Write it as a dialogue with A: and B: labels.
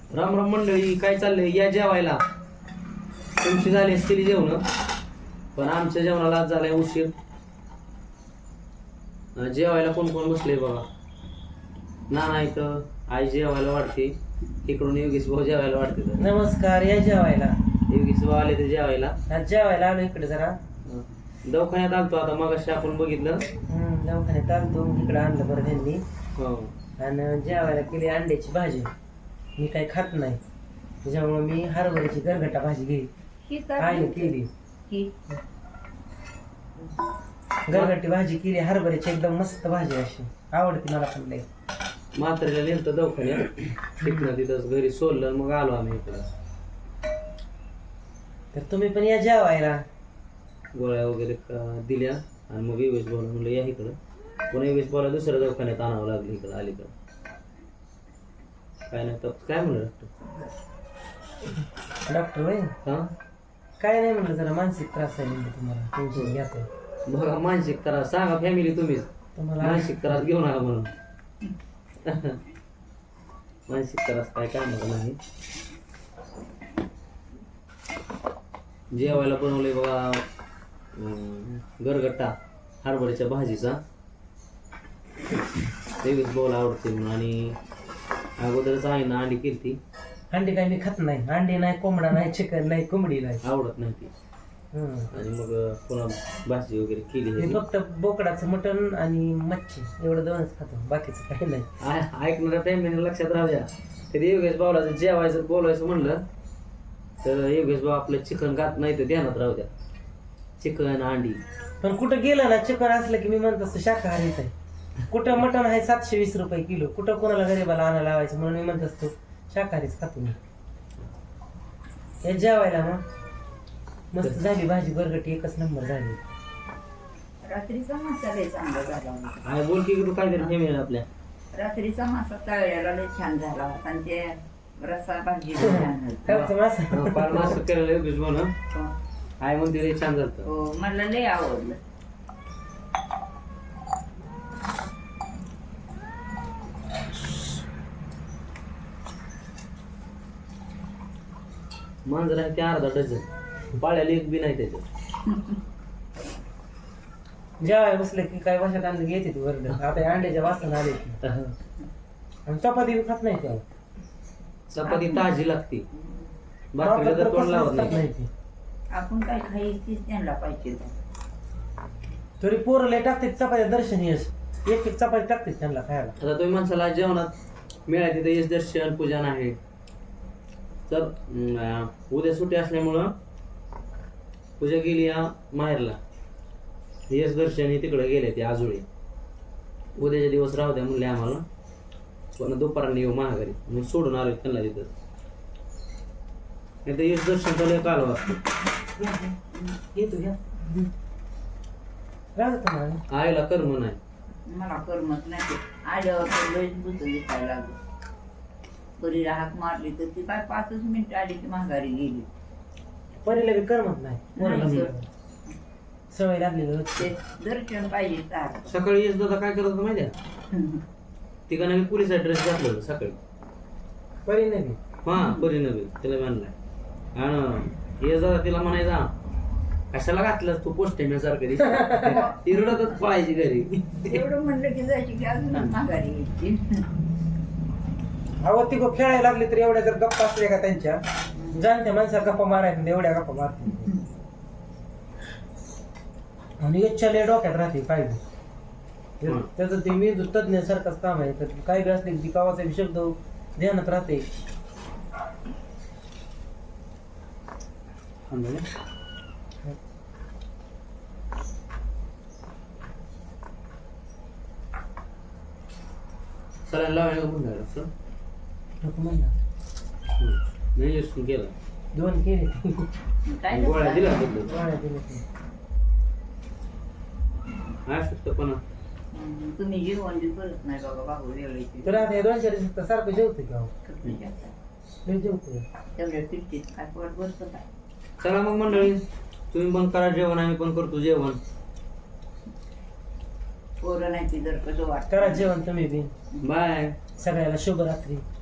A: राम राम मंडळी, काय चाललंय? या जेवायला. तुमची झाली असतील जेवण, पण आमच्या जेवणाला आज झालाय उशीर. जेवायला कोण कोण बसले बघा. ना इथं आई जेवायला वाढते, इकडून योगेश भाऊ जेवायला वाढते.
B: नमस्कार, या जेवायला.
A: योगेश भाऊ आले ते जेवायला.
B: आज जेवायला आलो इकडे जरा.
A: दवाखान्यात आलतो आता, मगाशी आपण बघितलं.
B: दवाखान्यात आलतो, इकडे आणलं बरं त्यांनी.
A: हो.
B: आणि जेवायला केली अंड्याची भाजी. मी काही खात नाही, त्याच्यामुळे मी हरभऱ्याची गरगटा भाजी घेतली. आईने केली गरगटी भाजी केली हरभऱ्याची, एकदम मस्त भाजी, अशी आवडते मला पण लई.
A: म्हातारीला नेलं दवाखान्यात, तिकडं तिथंच घरी सोडलं, मग आलो आम्ही इकडं.
B: तर तुम्ही पण या जेवायला.
A: गोळ्या वगैरे दिल्या आणि मग योगेश भाऊ म्हणलं या इकडं. पुन्हा योगेश भाऊला दुसऱ्या दवाखान्यात आणावं लागलं इकडं अलीकडं. काय नाही तर काय म्हणलं
B: डॉक्टर होय?
A: हा,
B: काय नाही म्हणलं, जरा मानसिक त्रास आहे म्हणजे तुम्हाला, टेन्शन घ्यायचं.
A: बघा मानसिक त्रास सांगा फॅमिली तुम्हीच,
B: तुम्हाला
A: मानसिक त्रास घेऊ नका म्हणून. मानसिक त्रास काय नाही. जेवायला बनवले बघा गरगट्टा हरभऱ्याच्या भाजीचा. तेवीस बोल आवडते म्हणून, आणि अगोदरच आहे ना अंडी केली.
B: अंडी काय मी खात नाही, अंडी नाही, कोंबडा नाही, चिकन नाही, कोंबडी नाही,
A: आवडत नाही ती. आणि मग पुन्हा भाजी वगैरे केली.
B: मी फक्त बोकडाचं मटण आणि मच्छी एवढं दोनच खातो, बाकीचं काही नाही.
A: ऐकणाऱ्या फॅमिली लक्षात राहू द्या, कधी योगेश भाऊला जर जेवायचं बोलायचं म्हणलं तर योगेश भाऊ आपलं चिकन खात नाही, तर ध्यानात राहू द्या. चिकन अंडी. पण
B: कुठं गेलं ना चिकन असलं की मी म्हणत असतो शाकाहारीच आहे. कुठं मटण आहे 720 रुपये किलो, कुठं कोणाला गरीबाला आणायला लावायचं, म्हणून मी म्हणत असतो शाकाहारीच खातो मी. हे जेवायला मग मस्त झाली भाजी गरगटी, एकच नंबर झाली.
C: रात्रीचा मासा लय चांगला झाला होता.
A: काय बोल की तू, काय तरी हे आपल्या
C: रात्रीचा मासा तळलेला लय छान झाला होता, आणि ते रसा भाजी लय छान होती.
B: खायचं मासा.
A: पाल मास केलेलं योगेश भाऊ ना,
C: हो.
A: आय म्हणते रे छान झालं.
C: हो, मला लय आवडलं.
A: मांजर आहे ते अर्धा डझन, पाळ्याला एक बी नाही त्याच्यात.
B: जेवाय बसलं की काय भाषात आणलं घ्यायचे ती वरड. आता अंड्याच्या वासना आले की. आणि चपाती बी खात नाही तेव्हा.
A: चपाती ताजी लागते, बाकीला तर तोंड लावत नाही.
C: आपण काय खायचीच त्यांना पाहिजे.
B: तरी पोरं लय टाकते चपात्या, दर्शनीय एक एक चपाती टाकते त्यांना खायला.
A: आता तुम्ही माणसाला जेवणात मिळाले तिथे यश दर्शन पूजन आहे. तर उद्या सुट्टी असल्यामुळं पूजा गेली या माहेरला, यश दर्शन तिकडे गेले ते आजोळी. उद्याच्या दिवस राहू द्या म्हणले आम्हाला, पण दुपाराने येऊ महागारी, मी सोडून आलो त्यांना तिथं. नाही तर यश दर्शन चालू काल
B: येतो घ्या
A: आईला कर्म नाही.
C: मला करमत नाही. आल्यावर तर लयच बुत दिसायला लागलं. बरी राहत मारली तर ती काय 5 मिनिट आली की माघारी गेली.
B: परीला बी करमत नाही,
C: नाही
B: सवय लागलेली.
C: ते दर्शन पाहिजे तार.
A: सकाळी यश दादा काय करत होता माहिती आहे? तिघांना मी पोलिस ड्रेस घातलं सकाळी.
B: परी नाही
A: हा, परी नव्हे तिला म्हणलाय. आणि यश दादा तिला म्हणायचा, कशाला घातलं तू पोस्टेम्यासारखं ती रडतच पळायची घरी.
C: एवढं म्हणलं की जायची की अजून माघारी यायची.
B: अहो ती खेळायला लागली तर एवढ्या जर गप्पा असल्या का त्यांच्या, जाणत्या माणसा गप्पा मारायला एवढ्या गप्पा मारते. आणि इच्छा डोक्यात राहते काय बी. त्याचं ते मेंदू तज्ञ सारखंच काम आहे. तर काय बी असले ती कावाचा बी शब्द ध्यानात राहते.
A: सलाईन लावायला म्हणलं
B: नको म्हणला.
A: नाही यश केलं,
B: 2 केले,
C: काय
A: गोळ्या दिला
B: गोळ्या दिल्या.
A: हा शकतो पण
C: तुम्ही जेवण बी करत नाही बाबा, भाऊ वेळेची.
B: तर आता 2-4 दिवस सारखं जेवतो की अहो, लय जेवतो.
C: तेवढ्या पिट्टीत काय पोट बसतं काय.
A: चला मग मंडळी, तुम्ही पण करा जेवण, आम्ही पण करतो जेवण.
C: पोरं नाही ती जर कसं वाटतं.
B: करा जेवण तुम्ही बी.
A: बाय.
B: सगळ्याला शुभरात्री.